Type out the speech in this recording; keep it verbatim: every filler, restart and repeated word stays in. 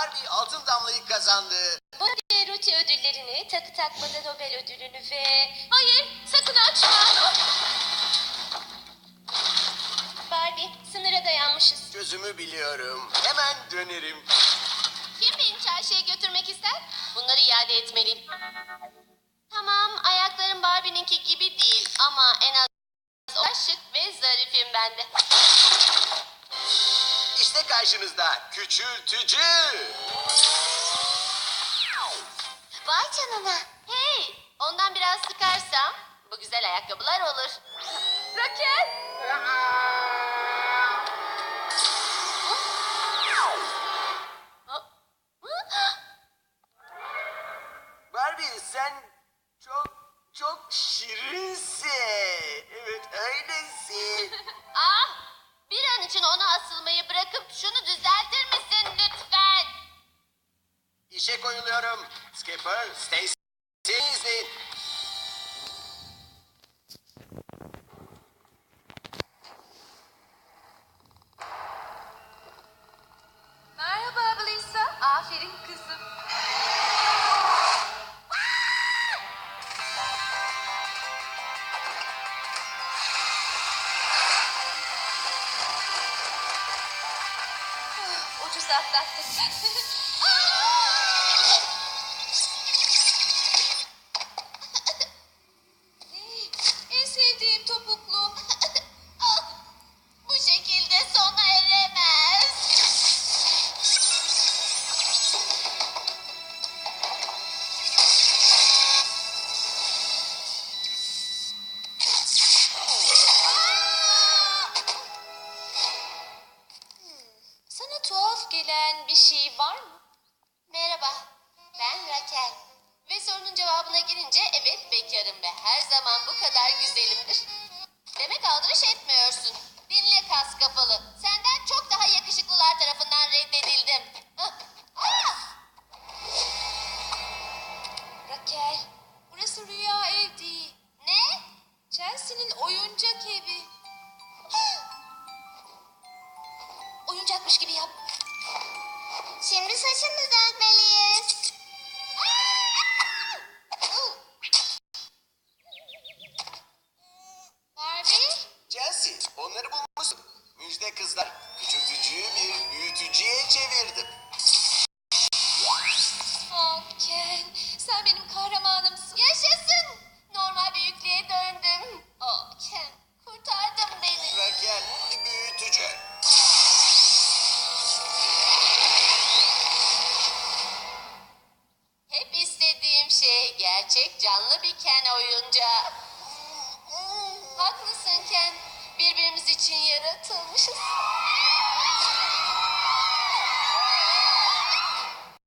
Barbie altın damlayı kazandı. Barbie Ruti ödüllerini, takı takmada Nobel ödülünü ve... Hayır, sakın açma. Barbie, sınıra dayanmışız. Çözümü biliyorum. Hemen dönerim. Kim beni çarşıya götürmek ister? Bunları iade etmeliyim. Tamam, ayaklarım Barbie'ninki gibi değil ama en az o şık ve zarifim ben de. İşte karşınızda küçültücü. Vay canına. Hey, ondan biraz sıkarsam bu güzel ayakkabılar olur. Raquel. Barbie sen çok çok şirinsin. Evet öylesin. Ah, bir an için ona asılmayı bırakıp şunu düzeltir misin lütfen? İşe koyuluyorum. Skipper, Stacy izleyin. Merhaba Lisa. Aferin kızım. Ucuz atlattık. En sevdiğim topuklu. Bu şekilde sona eremez. Sana tuhaf gelen bir şey var mı? Merhaba, ben Raquel. Ve sorunun cevabına girince evet bekarım ve her zaman bu kadar güzelimdir. Demek aldırış etmiyorsun. Dinle kas kafalı. Senden çok daha yakışıklılar tarafından reddedildim. Ah! Ah! Raquel, burası rüya ev değil. Ne? Chelsea'nin oyuncak evi. Oyuncakmış gibi yap. Şimdi saçını düzeltmeliyiz. Barbie? Chelsea, onları bulmuşsun. Müjde kızlar. Küçültücüyü bir büyütücüye çevirdim. Oh Ken, sen benim kahramanımsın. Yaşasın. Normal büyüklüğe döndüm. Oh Ken, kurtardın beni. Raquel, büyütücü. Hep istediğim şey gerçek canlı bir Ken oyuncağı. Haklısın Ken. Birbirimiz için yaratılmışız.